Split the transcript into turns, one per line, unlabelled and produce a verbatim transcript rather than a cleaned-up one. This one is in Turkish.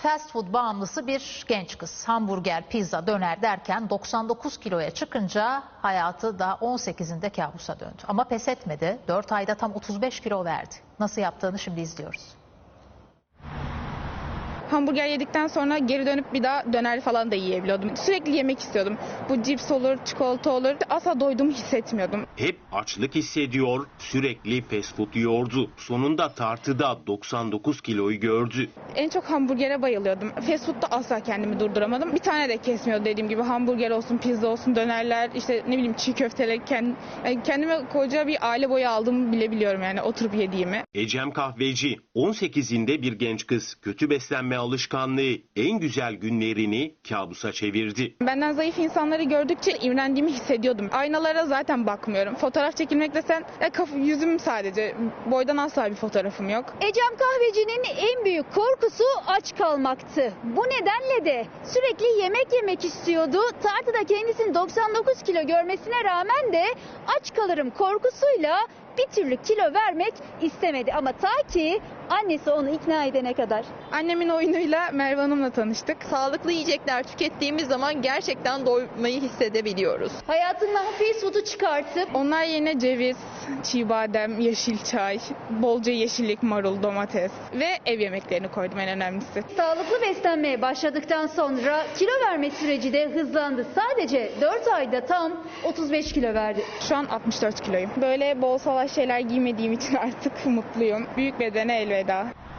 Fast food bağımlısı bir genç kız hamburger, pizza, döner derken doksan dokuz kiloya çıkınca hayatı da on sekizinde kabusa döndü. Ama pes etmedi. dört ayda tam otuz beş kilo verdi. Nasıl yaptığını şimdi izliyoruz.
Hamburger yedikten sonra geri dönüp bir daha döner falan da yiyebiliyordum. Sürekli yemek istiyordum. Bu cips olur, çikolata olur. Asla doyduğumu hissetmiyordum.
Hep açlık hissediyor, sürekli fast food yiyordu. Sonunda tartıda doksan dokuz kiloyu gördü.
En çok hamburgere bayılıyordum. Fast food'da asla kendimi durduramadım. Bir tane de kesmiyordu dediğim gibi. Hamburger olsun, pizza olsun, dönerler, işte ne bileyim çiğ köfteler. Kend, yani kendime koca bir aile boyu aldığımı bile biliyorum yani oturup yediğimi.
Ecem Kahveci, on sekizinde bir genç kız kötü beslenme alışkanlığı en güzel günlerini kabusa çevirdi.
Benden zayıf insanları gördükçe imrendiğimi hissediyordum. Aynalara zaten bakmıyorum. Fotoğraf çekilmek desen e, kaf- yüzüm sadece. Boydan asla bir fotoğrafım yok.
Ecem Kahveci'nin en büyük korkusu aç kalmaktı. Bu nedenle de sürekli yemek yemek istiyordu. Tartıda kendisini doksan dokuz kilo görmesine rağmen de aç kalırım korkusuyla bir türlü kilo vermek istemedi. Ama ta ki annesi onu ikna edene kadar.
Annemin oyunuyla Merve Hanım'la tanıştık.
Sağlıklı yiyecekler tükettiğimiz zaman gerçekten doymayı hissedebiliyoruz.
Hayatından fast food'u çıkartıp
Onlar yerine ceviz, çiğ badem, yeşil çay, bolca yeşillik, marul, domates ve ev yemeklerini koydum en önemlisi.
sağlıklı beslenmeye başladıktan sonra kilo verme süreci de hızlandı. Sadece dört ayda tam otuz beş kilo verdi.
Şu an altmış dört kiloyum. Böyle bol salaş şeyler giymediğim için artık mutluyum. Büyük bedene elveda.